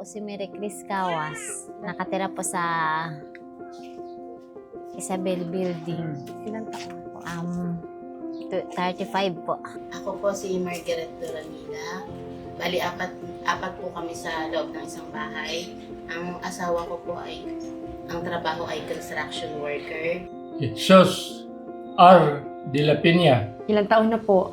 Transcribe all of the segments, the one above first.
si Mary Chris Cawas. Nakatira po sa Isabel Building. Ilan taon po? 35 po. Ako po si Margaret Doramida. Bali, apat po kami sa loob ng isang bahay. Ang asawa ko po ang trabaho ay construction worker. Jesus R. De La Peña, Ilan taon na po?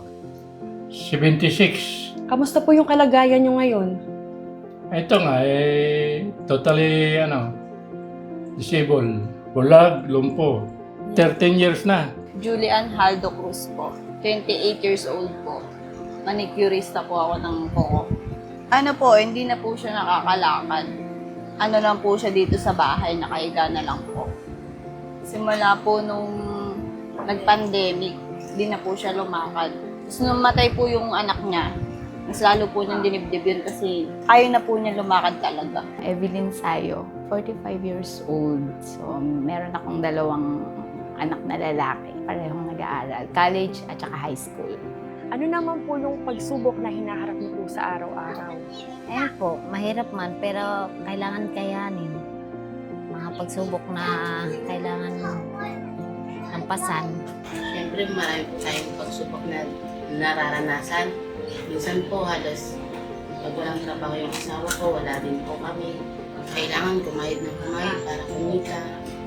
76. Kamusta po yung kalagayan nyo ngayon? Ito nga, totally, disabled. Bulag, lumpo. 13 years na. Julian Haldo Cruz po. 28 years old po. Manicurista po ako ng kuko. Ano po, hindi na po siya nakakalakad. Ano lang po siya dito sa bahay, nakahiga na lang po. Simula po nung nag-pandemic, hindi na po siya lumakad. Tapos nung matay po yung anak niya, mas lalo po niyang dinibdib yun kasi ayaw na po niya lumakad talaga. Evelyn Sayo, 45 years old. So, meron akong dalawang anak na lalaki. Parehong nag-aaral. College at saka high school. Ano naman po yung pagsubok na hinaharap niyo po sa araw-araw? Ayun po, mahirap man pero kailangan kayanin. Mga pagsubok na kailangan lampasan. Siyempre, marami po tayong pagsubok na nararanasan. Minsan po, halos pag walang trabaho yung asawa ko, wala rin po kami. Kailangan kumayod ng kumayod para kumita.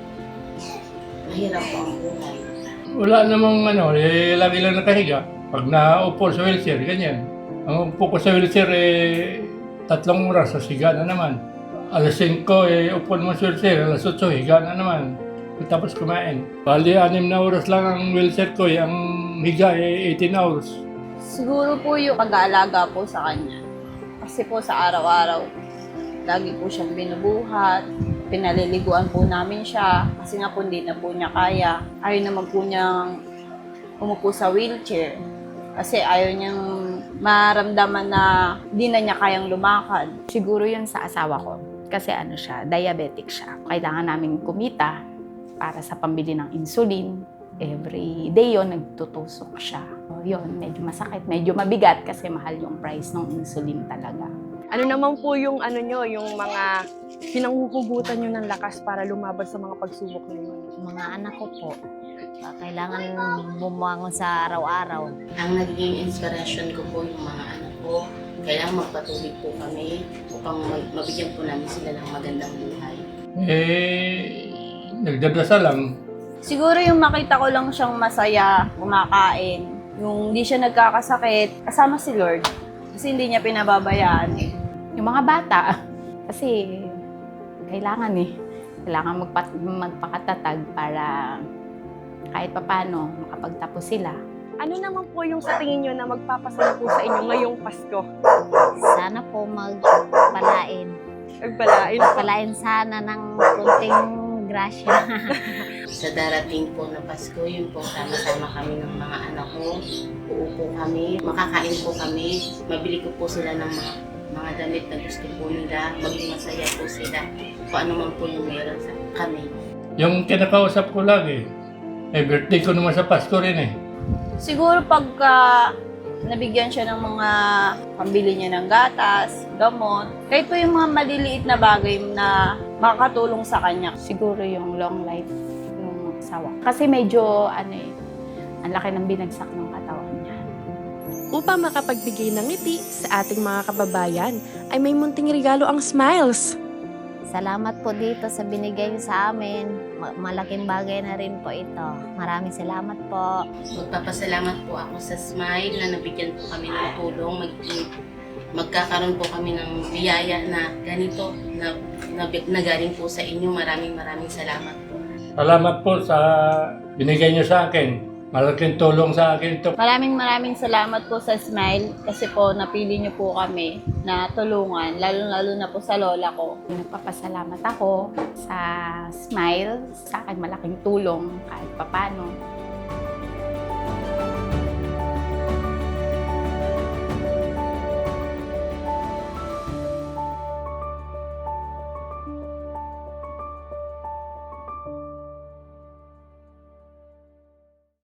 Mahirap po ang buhay. Wala namang lagi lang nakahiga. Pag naupo sa wheelchair, ganyan. Ang upo ko sa wheelchair, 3 oras, sa higa na naman. Alas 5, upo naman sa wheelchair. Alas 8, higa na naman. Tapos kumain. Bali, 6 na oras lang ang wheelchair ko. Ang higa, 18 hours. Siguro po yung pag-aalaga po sa kanya. Kasi po sa araw-araw, lagi po siyang binubuhat. Pinaliliguan po namin siya kasi nga po hindi na po niya kaya. Ayaw naman po niyang umupo sa wheelchair kasi ayaw niyang maramdaman na hindi na niya kayang lumakad. Siguro yun sa asawa ko. Kasi siya, diabetic siya. Kailangan namin kumita para sa pambili ng insulin. Every day yun, nagtutusok siya. So, yun, medyo masakit, medyo mabigat kasi mahal yung price ng insulin talaga. Ano naman po yung yung mga pinanghuhugutan nyo ng lakas para lumaban sa mga pagsubok na yun? Mga anak ko po, kailangan bumangon sa araw-araw. Ang naging inspiration ko po yung mga anak ko. Kailangan magpatuloy po kami upang mabigyan po namin sila ng magandang buhay. Nagdadasal lang. Siguro yung makita ko lang siyang masaya, kumakain, yung hindi siya nagkakasakit, kasama si Lord. Kasi hindi niya pinababayaan eh. Yung mga bata, kasi kailangan magpakatatag para kahit papano makapagtapos sila. Ano naman po yung sa tingin nyo na magpapasaya po sa inyo ngayong Pasko? Sana po magpalain. Nagbalain. Palain sana ng kunting grasya. Sa darating po na Pasko, yun po, sama-sama kami ng mga anak ko. Uupo kami, makakain po kami, mabili ko po sila ng mga damit na gusto po nila, maging masaya po sila. Kung ano man po yung meron sa kami. Yung kinakausap ko lagi, birthday ko naman sa Pasko rin Siguro pagka nabigyan siya ng mga pambili niya ng gatas, gamot, kahit po yung mga maliliit na bagay na makakatulong sa kanya. Siguro yung long life ng asawa. Kasi medyo, ang laki ng binagsak ng katawan niya. Upang makapagbigay ng ngiti sa ating mga kababayan, ay may munting regalo ang Smiles. Salamat po dito sa binigay niyo sa amin. Malaking bagay na rin po ito. Maraming salamat po. Magpapasalamat po ako sa Smile na nabigyan po kami ng tulong. Magkakaroon po kami ng biyaya na ganito na galing po sa inyo. Maraming salamat po. Salamat po sa binigay niyo sa akin. Malaking tulong sa akin ito. Maraming salamat po sa Smile kasi po napili niyo po kami na tulungan, lalo na po sa lola ko. Nagpapasalamat ako sa Smile, sa akin malaking tulong kahit papano.